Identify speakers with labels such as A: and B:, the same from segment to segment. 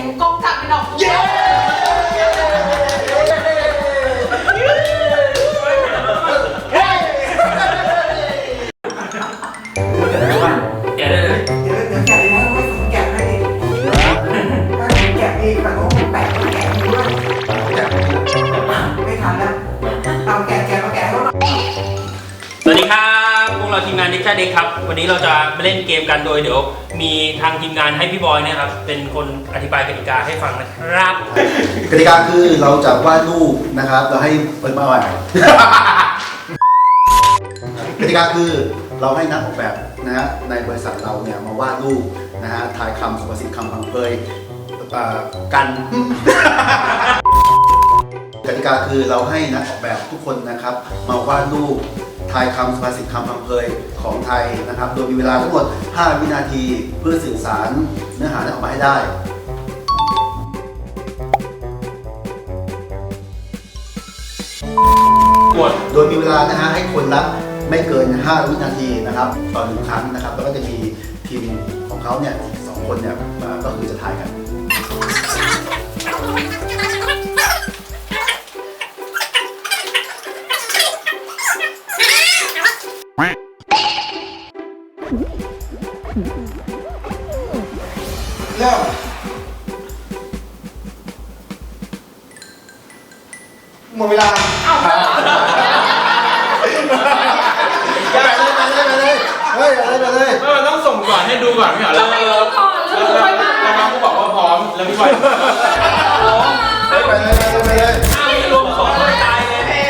A: กล้องจับไม่ดอกเย้
B: แกะได้เลย
C: เดี๋ยวแกะเลยนะไม่ผมแกะให้ดิถ้าผมแกะเองแบบผมแปะก็แกะเองด้วยไม่ทันแล้วเอาแกะมาแกะให้หน่อย
B: สวัสดีครับพวกเราทีมงานดิจิทัลเด็กครับวันนี้เราจะมาเล่นเกมกันโดยเดี๋ยวมีทางทีมงานให้พี่บอยเนี่ยครับเป็นคนอธิบายกติกาให้ฟังนะครับ
D: กติกาคือเราจะวาดรูปนะครับเราให้เปิดมาใหม่ กติกาคือเราให้นักออกแบบนะฮะในบริษัทเราเนี่ยมาวาดรูปนะฮะทายคำสุภาษิตคำพังเพยกัน กติกาคือเราให้นักออกแบบทุกคนนะครับมาวาดรูปทายคำสุภาษิตคำพังเพยของไทยนะครับโดยมีเวลาทั้งหมด5 วินาทีเพื่อสื่อสารเนื้อหาออกมาให้ได้โดยมีเวลานะฮะให้คนละไม่เกิน5 วินาทีนะครับต่อ1 ครั้งนะครับแล้วก็จะมีทีมของเขาเนี่ย2 คนเนี่ยก็คือจะทายกัน
C: เริ่มหมดเวลา
D: ไปเลยเฮ้ยไปเลย
E: มันต้องส่งก่อนให้ดูก่อนไม่เหรอแล้วน้องก็บอกว่าพร้อมแล้วพี่บอยพร้อม
D: ไปเลย
B: ไม่รวมของคนตายเลย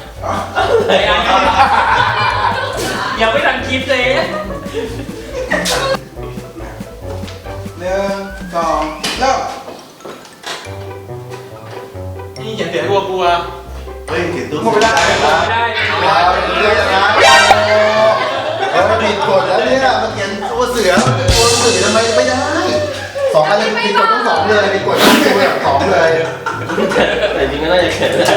B: ยังไม่ทันคิดเลย
C: 1 2 เริ่ม
E: นี่เขียนเสียงกลัว
D: เฮ้ยเขียนตัว
C: หมดเวลา
B: ไม่ได้
D: เรื่องนะมันผิดกฎแล้วเนี่ยมันเขียนตัวเสือทำไมไม่ได้2 อันเลยผิดกฎทั้ง2เลยผิดกฎทั้งตัว2เลย
E: แต่จริงก็น่าจะเขียนได้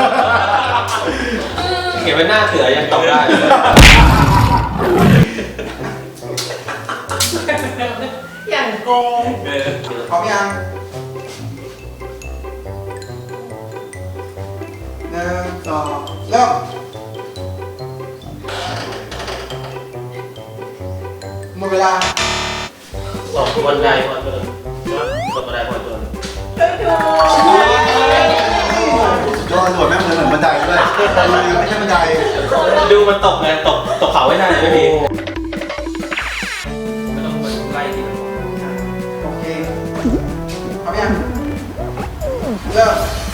E: เขียนไว้หน้าเสือยังตอบได้
A: อย่างโกง
C: พร้อมยัง1 2 เริ่มหมดเวลา
E: สองคนได้พอตัวคนได้พอตัว
D: ยอดหนวดแม่งเหมือนบันไดด้วยไม่ใช่บันได
E: ดูมันตกไงตกเขาไว้หน้าไม่ดี
B: ไม่ต้องไล่ทีละคน
C: โอเคพร้อมยังเริ่ม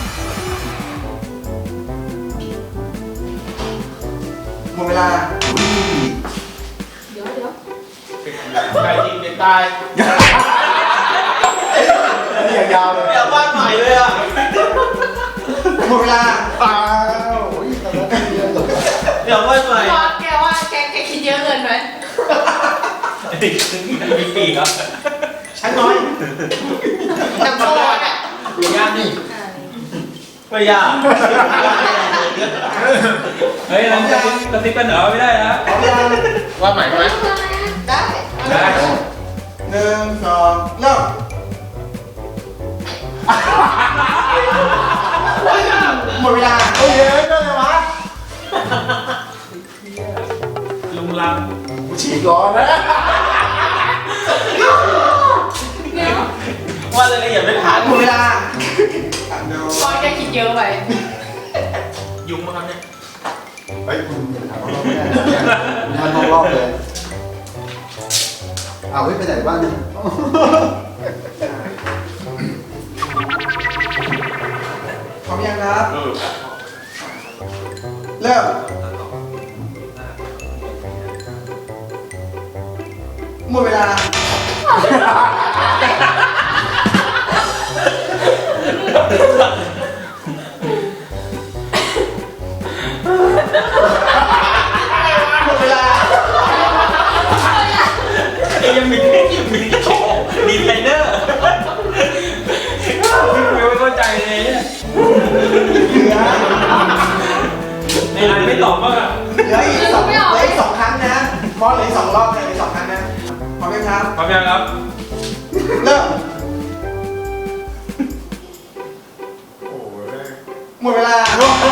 C: หมดเวลา
A: เดี๋ยว
E: ไก่จริงเด็กตาย
D: นี่ยาวเลย
E: อยากวาดใหม่เลยอ่ะ
C: หมดเวลา
D: อ้าว
E: อยากวาดใหม่
A: บอสแกว่าแกคิดเยอะเกินไหม
B: มีปีกครับ
C: ชั้นน้อย
A: แต่บอสอ่ะ
E: ยากนี่ไม่ยาก
B: เฮ้ยเราจะกระซิบกันเหรอไม่ได้นะ
C: พร้อมยัง
E: วาดใหม่ไหม
A: ได้
B: ได้
C: 1 2 เริ่ม หมดเวลาโอ้ยเยอะจังเลยวะ
B: ลุงลัง
D: ฉีกร้อนนะ
A: เดี๋ยว
E: วาดอะไรอย่างไม่ผ่าน
C: หมดเวลาดู
A: บอสแกคิดเยอะไป
E: ยุงมาครับเนี่ย
D: ไปคุณถามรอบไม่ได้มันมองรอบเลยเอาไปไหนบ้างเนี่ย
C: พร้อมยังครับ เริ่ม หมดเวลา หมดเวลา
B: ยังมีโชว์ดีไซเนอร์ไม่เข้าใจเลยเนี่ย
C: เหลือ
B: ในไลน์ไม่ตอบบ้างอ่ะ
C: เหลืออีก2 ครั้งนะมอสเหลืออีก2 รอบเลยเหลือ2 ครั้งนะพร้อมยังครับ
B: พร้อมยังครับ
C: เริ่มหมดเวลา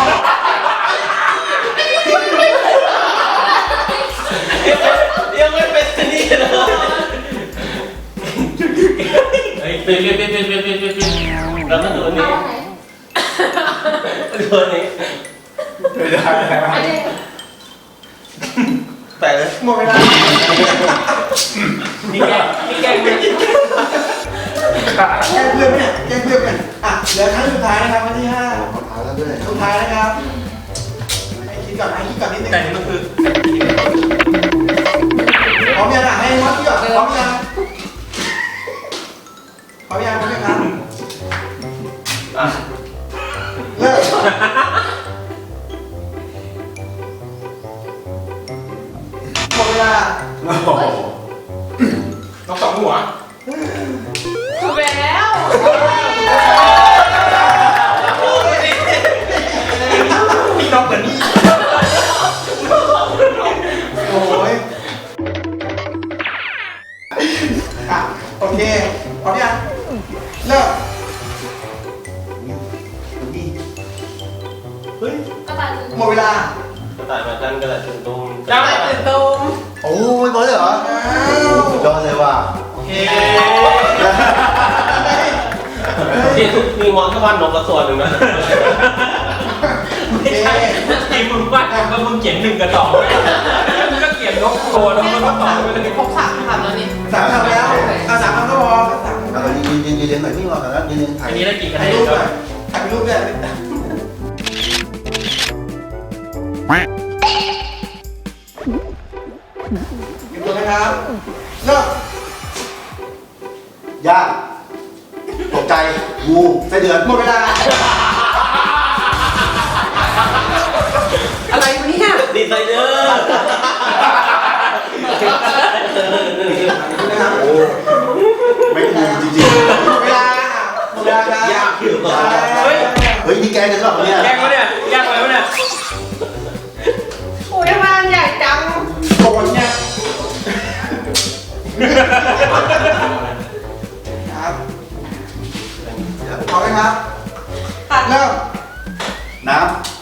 E: ยังไม่เป็นนี่เลยเฮ้ยเป็นแล้วก็ตัวนี้
A: เอาไหน
E: ตัวนี้
D: ไม่ได้
A: อันนี้
E: แต่เลย
C: หมดเวลา
B: นี่แกล้งไม่
C: แจ้งเพื่อนเนี่ยแจ้งเพื่อนเนี่ยอ่ะเหลือครั้งสุดท้ายนะครับวันที่5
D: ขอท้าแล้วด้วย
C: สุดท้ายนะครับให้คิดก่อนนิดนึง
B: แต่นี่มันคือ
C: พร้อมยังอ่ะให้มอสคิดก่อนพร้อมยังครับ
E: อ่ะ
C: เลิกหมดเวลา
D: โอ้โห
E: ต้องสองหัว
A: ถูกแล้ว
E: พี่น้องเหมือนนี่
C: โอ้ยอ่ะโอเคพร้อมยังเลิก
D: เฮ้ย
A: กระต่ายตื่น
C: หมดเวลา
E: กระต่ายมาดันกระต่ายตื่นตูม
A: กระต่ายตื่นตูม
D: โอ้ยบอลเลยเหรอ
C: อ้าว
D: สุดยอดเลยว่ะ
E: โอเคมีมอนสวรรค์นกกระส่วนหนึ่งนะ
C: โอเค
B: ทีมึงว่าว่ามึงเขียน1 กับ 2มึงก็เขียนนกตัวแล้วมันก็ตอบไปเลย
A: ครบ3 คำแล้วนี่
C: 3 คำแล้วเอา3 คำก็พอสามคำ
D: เอายืนเรียนหน่อยพี่รอก่อนนะยืนถ่าย
B: อันนี้ได้กี่คะแน
C: ถ่าย
B: น
C: รูป
B: ค
C: ด้ว
B: รั
C: ย
B: บ
C: ถ่ายรูปด้วยหยุดตัวนะครับเลิก
D: ย่างตกใจงูไส้เดือน
C: หมดเวลา อะไรวะเนี่ย
E: ดีไซเนอร์
C: นะครับ
D: โอ้ไม่งูจริง
C: หมดเวลาหมดเวลาครับ
E: ยากอยู่
B: เฮ้ย
D: ๆเฮ้ยนี่แกกันหรอเนี่ย
B: แกล้งวะเนี่ยแกล้งอะไรวะเนี่ย
A: โอ้ยทำไมมันใหญ่จัง
C: โกนเนี่ยครับพร้อมไหมครับ
A: ตัด
C: เริ่ม
D: น้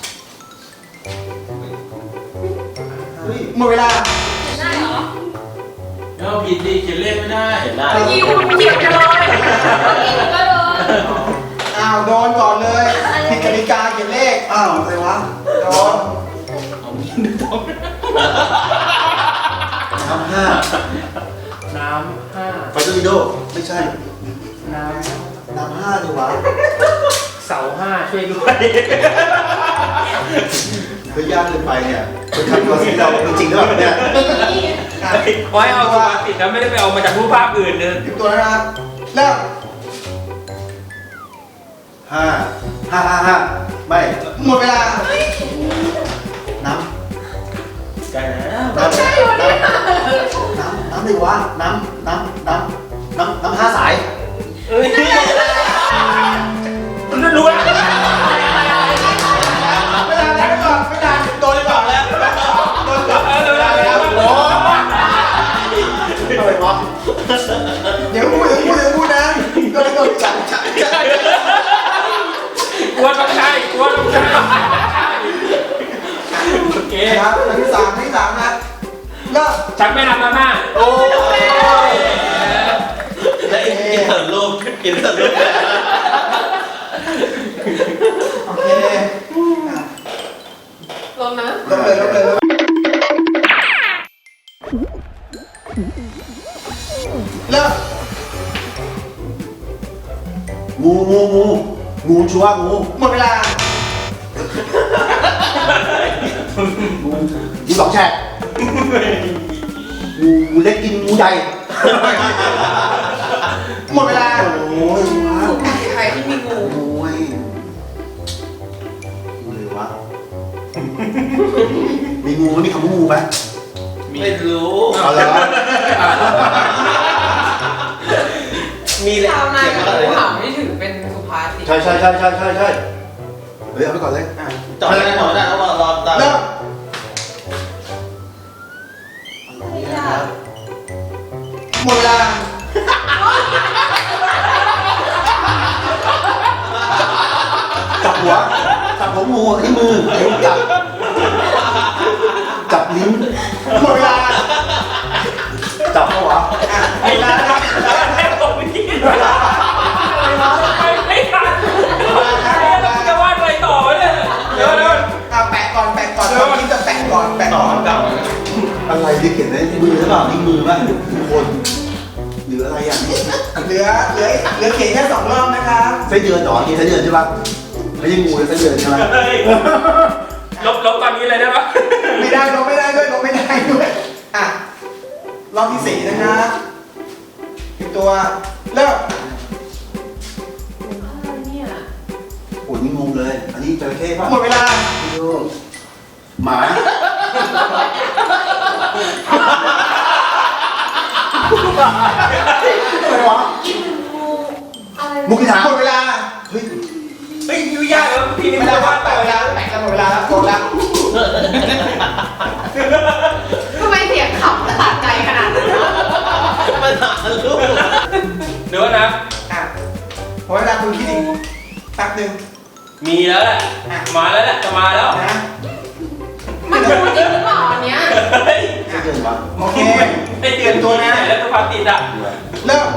C: หมดเวลา
A: ได้เหรอ
E: แล้วผิดดิเขียนเลขไม่ได้เห็นได้
A: เมื่อกี้คุณเขียนกันเลยเมื่อกี้หนูก็โดน
C: อ้าวโดนก่อนเลยผิดกติกาเขียนเลข
D: ำอ้าวอะไรวะ
C: โดน
D: น้ำห้า
B: น้ำ5
D: ไฟตูดิโดไม่ใช่
B: น้
D: น้ำห้าดีวะ
B: ำเสา5ช่วยด้วย
D: เฮ้ยยากเกินไปเนี่ยเป็นคำตัวสีเราจริงๆหรือเปล่าเนี่ย
B: ไว้เอาตัวติดนะไม่ได้ไปเอามาจากรูปภาพอื่นเลย
C: หยุดตัวนะครับเริ่ม
D: ห้าไม่
C: หมดเวลา
D: น้
E: ใกล้แล้ว
D: ำน้ำดีวะน้ำห้าสาย
E: เอ้ย
B: รู้แล้ว
C: เวลาแล้วก่อนไม่นาน
E: โดนก่อนแล้วโดนก่อน
D: โอ้อะไรวะ
C: เดี๋ยวพูดนะก็เลยโดนจับ
B: กลัวต้องใช่โอเค
C: ครับอันที่สามนะเริ่ม
B: ฉันไม่ทำมาม่า
E: โอ้ยแล้วกินเถอะลูกกินเถอะลูก
C: โอเค
A: ลงนะ
C: ลงเลยเริ่ม
D: งูชัวร์งู
C: หมดเวลา
D: งูสองแฉกงูเล็กกินงูใหญ่
C: หมดเวลา
D: โอ้ย
A: ใครที่มีงู
D: โอ้ยงูเลยวะมีงูมีคำว่างูไหม
E: ไม่รู้
D: เอาแล้ว
E: มีแหละ
A: ชาวนา
E: เขียน
A: กับ
E: มาอะไร
A: งู
E: นะ
A: เห่าไม่ถือเป็นสุภาษิต
D: ใช่เฮ้ยเอาไปก่อนเลย
E: จอดได้แล้วรอตาม
C: เริ่ม
A: ไม่ยาก
C: หมดเวลา
D: จับหัวของงูที่มือจับจับลิ้น
C: หมดเวลา
D: จับเขาวะ
B: ไอ้ร้านครับให้ผมไปกินไม่ทันจะวาดอะไรต่อเนี่ยเดี๋ยว
C: แปะก่อนคนที่จะแปะก่อน
D: อะไรที่เขียนในมือหรือเปล่านี่มือป่ะคนหรืออะไรอย่างนี้
C: เหลือเขียนแค่2 รอบนะครับ
D: ไส้เดือนหรอกินไส้เดือนใช่ป่ะไม่ใช่งูไส้เดือนใช่ไหม
B: ลบตอนนี้เลยได้ปะ
C: ไม่ได้ลงไม่ได้ด้วยอ่ะรอบที่4นะครับอีกตัวเริ่ม
A: อะไรเนี่ย
D: โอ้ยนี่งงเลย อันนี้จระเข้ป่ะ
C: หมดเวลา
D: ดูหมาอะไรวะ
A: งูอะไร
D: มุกพิธา
C: หมดเวลา
D: เฮ้ย
B: เฮ้ยยุ่ยยากแล้วพี่นี่
C: ไม่
B: ไม่
C: ได้
B: ได้
C: วั
B: วา
C: ด
B: ด
C: แปะเวลาหมดเวลาแล้วโกงแล้ว
A: ทำไมเสียงขำและตัดใจขนาดนั้น
B: เดี๋ยวนะ
C: อ่ะหมดเวลาคุณคิดอีกแป๊บนึง
B: มีแล้วแหละมาแล้วแหละจะมาแล้ว
C: นะ
A: มันงูจริงหรือเปล่าอันเนี้ย
B: เฮ้ย
D: ไส้เดือนวะ
C: โอเค
B: ไอเตรียมตัวนะแล้วตัวพาติดอ่ะ
C: เริ่ม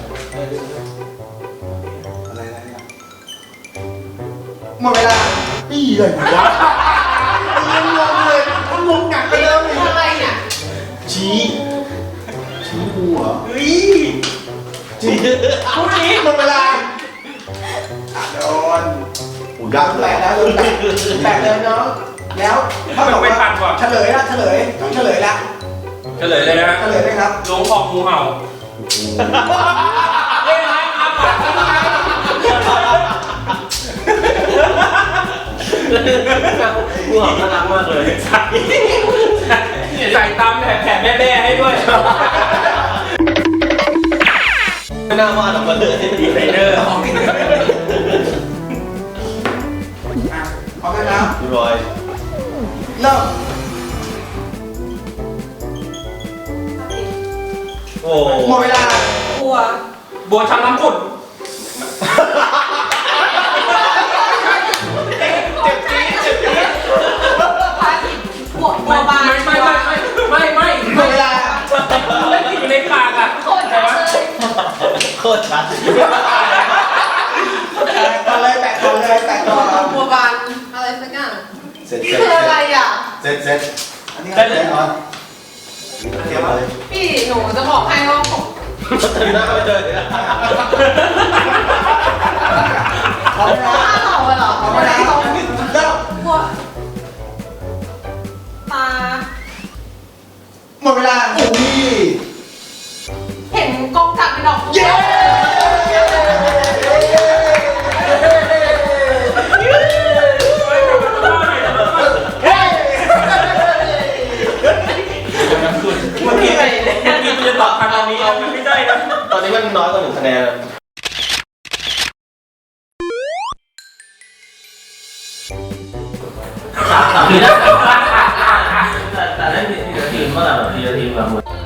D: อะไรอ่ะ
C: หมดเวลา
D: นี่เลยวะยังงงเลยมันงงหนักไปแล้วนี่
A: อะไรเนี่ย
D: ชี้งูเหรอ
B: เฮ้ยพรุ่งนี้
C: หมดเวลาโดน
D: โอ้ยากเล
C: แปะ
D: ย
C: แล้วแปะเลยเนาะแล้วถ้าบอกว่าเฉลยละเฉลยละ
B: เฉลยเลยนะ
C: เฉลยไหมครับ
B: หลวงพ่องูเห่าเล่นไหมครับงูเห่าน่ารักมากเลยใส่ตามแผ่แม่ให้ด้วย
E: ไม่น่าวาดออกมาเลย
B: ดีไซเนอร์
C: อ่ะพร้อมนะครับ
E: พี่บอย
C: เริ่ม
E: โอ้
C: หมดเวลา
A: บัว
B: บัวช้างน้ำขุ่น
A: พาทิตบัวบาน
B: ไม่
C: หมดเวลา
B: เล่นอยู่ในปากอ่ะ
A: โคตรชัดเลย
E: โคตรชัด
C: ก่อนเลยแปะก่อน
A: บัวบานอะไรสักอย่าง
D: เสร็จ
A: นี่คืออะไรอ่ะ
D: เสร็จ
C: อันนี้
D: แน่นอนเตรียมมาเลย
A: พี่หนูจะบอกให้ว่าผม
E: ถึงหน้าไปเลย
C: พร้อมนะ
A: ถ้าเราเหรอ
C: พร้อมนะเริ่ม
A: บัวตา
C: หมดเวลา
D: โอ้ย
A: เห็นกองจักรเป็นดอกบัว
C: เย้
B: เมื่อกี้มันจะตอบทางตรงนี้มันไม่ได้นะ
E: ตอนนี้มันน้อยกว่า1 คะแนนแต่นั่นทีละทีมเมื่อไหร่ทีละทีมแบบ